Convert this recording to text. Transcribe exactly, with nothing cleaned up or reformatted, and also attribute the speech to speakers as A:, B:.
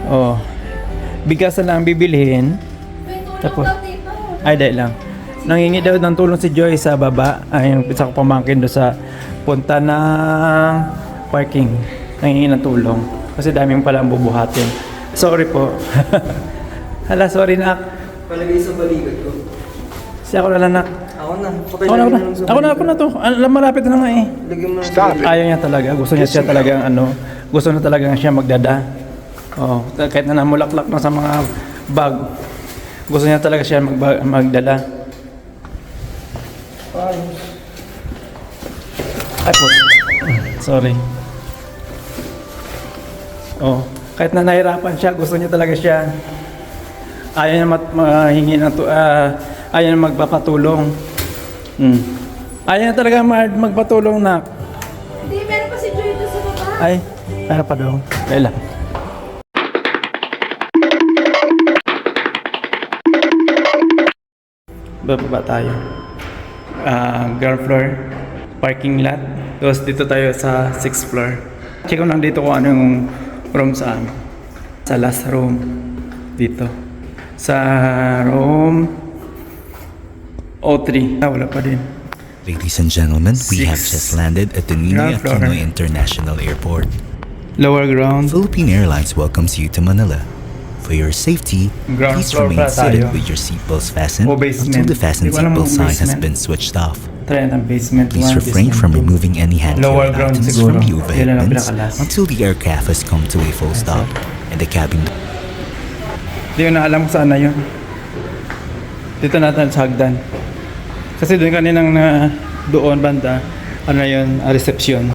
A: Oh. Bigas na lang bibilhin. Tapos, ay dahil lang. Nangingi daw ng tulong si Joy sa baba. Ay, yung isa ko pamangkin doon sa punta ng parking. Nangingi ng tulong. Kasi daming pala ang bubuhatin. Sorry po. Hala, sorry nak.
B: Palagay sa balikat ko.
A: Si ako na lang nak.
B: Ako na.
A: Ako na, ako na. Ako na, ako na to. Alam, malapit na nga eh.
B: Lagyan mo
C: Stop it.
A: Ayaw niya talaga. Gusto niya siya talagang ano. Gusto na talaga siya magdada. Oh, kahit na namulaklak na sa mga bag. Gusto niya talaga siya mag magdala. Ay po. Sorry. Oh, kahit na nahirapan siya, gusto niya talaga siya. Ayaw niya mat- mahingi ng tu- uh, ayaw niya magpapatulong. Hmm. Ayaw niya talaga mag- magpatulong na.
D: Hindi, meron pa si Joy doon sa baba.
A: Ay, meron pa daw. Kailan? Bababa tayo. Ah, ground floor, parking lot. Tapos dito tayo sa sixth floor. Check ko lang dito kung ano yung room sa amin. Sa last room. Dito. Sa room O three. Ah, wala pa din.
E: Ladies and gentlemen, we have
A: Six.
E: just landed at the Ninoy
A: Ground floor.
E: Aquino International Airport.
A: Lower ground.
E: Philippine Airlines welcomes you to Manila. For your safety,
A: Ground
E: please
A: floor
E: remain
A: pala
E: seated
A: tayo.
E: with your seatbelts fastened
A: O basement.
E: until the fasten
A: Di ko alam
E: seatbelt
A: kung
E: sign has
A: basement.
E: been switched off.
A: Try ang basement
E: Please
A: one,
E: refrain
A: basement
E: from
A: two.
E: removing any hand
A: Lower
E: carry
A: ground
E: items
A: siguro.
E: from the
A: Yan ang
E: overhead
A: pinakalas.
E: until the aircraft has come to a full stop and the cabin.
A: Hindi ko na alam kung saan na yun. Dito natin sa hagdan. Kasi doon kaninang na doon banda, ano na yun, ah, reception.